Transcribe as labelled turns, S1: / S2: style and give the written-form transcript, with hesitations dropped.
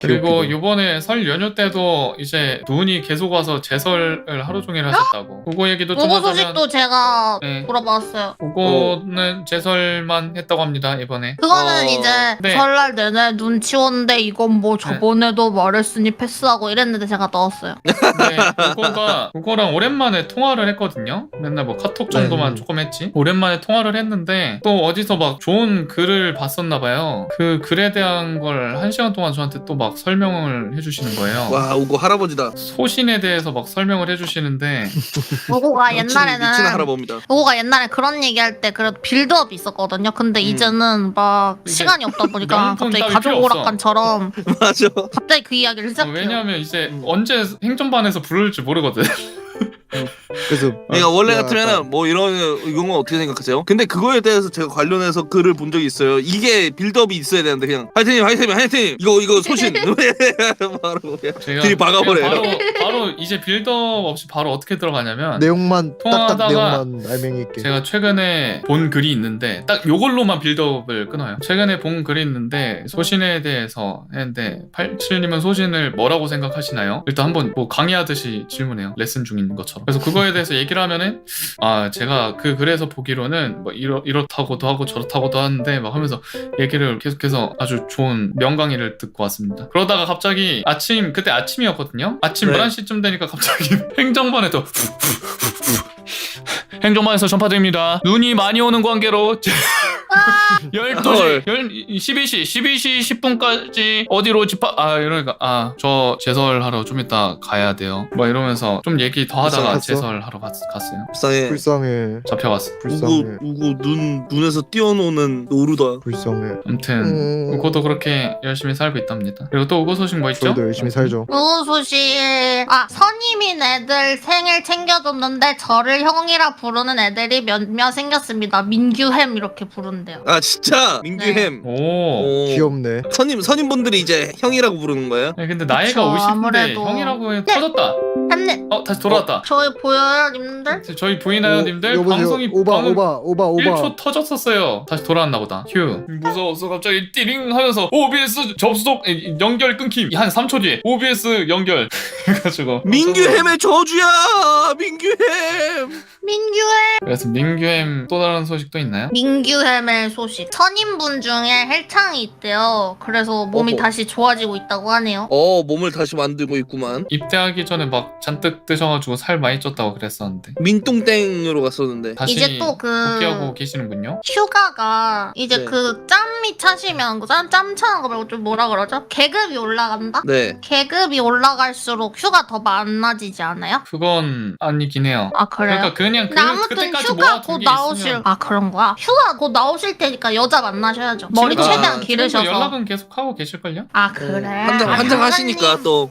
S1: 그리고 요번에 설 연휴 때도 이제 눈이 계속 와서 제설을 하루 종일 하셨다고. 그거 얘기도 좀
S2: 그거
S1: 하자면
S2: 소식도 제가
S1: 네.
S2: 물어봤어요.
S1: 그거는 제설만 했다고 합니다 이번에.
S2: 그거는 이제
S1: 네.
S2: 설날 내내 눈 치웠는데 이건 뭐 저번에도 말했으니 패스하고 이랬는데 제가 넣었어요.
S1: 네, 그거랑 오랜만에 통화를 했거든요. 맨날 뭐 카톡 정도만 조금 했지. 오랜만에 통화를 했는데 또 어디서 막 좋은 글을 봤었나 봐요. 그 글에 대한 걸 1시간 동안 저한테 또 막 설명을 해주시는 거예요.
S3: 와 우고 할아버지다.
S1: 소신에 대해서 막 설명을 해주시는데
S2: 요거가
S3: 미친
S2: 옛날에는
S3: 할아버지입니다.
S2: 요거가 옛날에 그런 얘기할 때 그래도 빌드업이 있었거든요. 근데 이제는 막
S1: 이제
S2: 시간이 없다 보니까
S1: 명분
S2: 갑자기
S1: 따위
S2: 가족
S1: 필요 없어.
S2: 오락관처럼
S3: 맞아.
S2: 갑자기 그 이야기를 시작해요.
S1: 왜냐하면 이제 언제 행정반에서 부를지 모르거든.
S4: 그래서
S3: 그러니까 원래
S4: 내가
S3: 같으면은 뭐 이런 건 어떻게 생각하세요? 근데 그거에 대해서 제가 관련해서 글을 본 적이 있어요. 이게 빌드업이 있어야 되는데 그냥 하이트님 이거 소신 바로 그냥
S1: 제가
S3: 들이 박아버려요.
S1: 바로 이제 빌드업 없이 바로 어떻게 들어가냐면
S4: 내용만 딱딱
S1: 통화하다가
S4: 내용만 알맹이 있게.
S1: 제가 최근에 본 글이 있는데 딱 요걸로만 빌드업을 끊어요. 최근에 본 글이 있는데 소신에 대해서 했는데 87님은 소신을 뭐라고 생각하시나요? 일단 한번 뭐 강의하듯이 질문해요. 레슨 중인 것처럼. 그래서 그거에 대해서 얘기를 하면은 제가 그 글에서 보기로는 뭐 이렇다고도 하고 저렇다고도 하는데 막 하면서 얘기를 계속해서 아주 좋은 명강의를 듣고 왔습니다. 그러다가 갑자기 그때 아침이었거든요. 아침
S3: 네.
S1: 11시쯤 되니까 갑자기 행정반에서 행정반에서 전파드립니다. 눈이 많이 오는 관계로 12시, 12시 10분까지 어디로 이러니까 저 제설하러 좀 이따 가야 돼요. 막 이러면서 좀 얘기 더 하다가
S4: 갔어?
S1: 제설하러 갔어요.
S3: 불쌍해.
S4: 불쌍해.
S1: 잡혀갔어.
S4: 불쌍해.
S3: 우고 눈에서 뛰어노는 노루다.
S4: 불쌍해.
S1: 아무튼 우고도 그렇게 열심히 살고 있답니다. 그리고 또 우고 소식 뭐 있죠?
S4: 저희도 열심히 살죠.
S2: 요거 소식 선임인 애들 생일 챙겨줬는데 저를 형이라 부르는 애들이 몇몇 생겼습니다. 민규햄 이렇게 부른대요.
S3: 아 진짜 민규햄.
S1: 오.
S4: 귀엽네.
S3: 선임분들이 이제 형이라고 부르는 거예요?
S1: 네, 근데 나이가
S2: 그쵸,
S1: 50인데
S2: 아무래도.
S1: 형이라고 해 터졌다.
S2: 햄님
S1: 다시 돌아왔다.
S2: 저희 보여요 님들?
S1: 저희 보이나요, 님들?
S4: 여보세요.
S1: 방송이
S4: 오바
S1: 방금
S4: 오바 오바 오바.
S1: 1초 터졌었어요. 다시 돌아왔나 보다. 휴. 무서웠어. 갑자기 띠링 하면서 OBS 접속 연결 끊김. 한 3초 뒤에 OBS 연결 해가지고
S3: 민규햄의 저주야. 민규햄.
S2: 민규햄
S1: 그래서 민규햄 또 다른 소식도 있나요?
S2: 민규햄의 소식. 선임분 중에 헬창이 있대요. 그래서 몸이
S3: 어허.
S2: 다시 좋아지고 있다고 하네요.
S3: 몸을 다시 만들고 있구만.
S1: 입대하기 전에 막 잔뜩 드셔가지고 살 많이 쪘다고 그랬었는데
S3: 민똥땡으로 갔었는데.
S1: 다시
S2: 이제 또
S1: 복귀하고 계시는군요.
S2: 휴가가 이제
S3: 네.
S2: 그 짬이 차시면 짬 차는 거 말고 좀 뭐라 그러죠? 계급이 올라간다?
S3: 네.
S2: 계급이 올라갈수록 휴가 더 많아지지 않아요?
S1: 그건 아니긴 해요.
S2: 아 그래요?
S1: 그러니까 그냥
S2: 근데 아무튼
S1: 그때까지
S2: 휴가
S1: 모아둔
S2: 곧
S1: 게
S2: 나오실
S1: 있으면
S2: 그런 거야? 휴가 곧 나오실 테니까 여자 만나셔야죠. 머리
S1: 지금도-
S2: 최대한
S1: 지금도
S2: 기르셔서.
S1: 연락은 계속 하고 계실걸요?
S2: 아 그래.
S3: 한장 하시니까 또.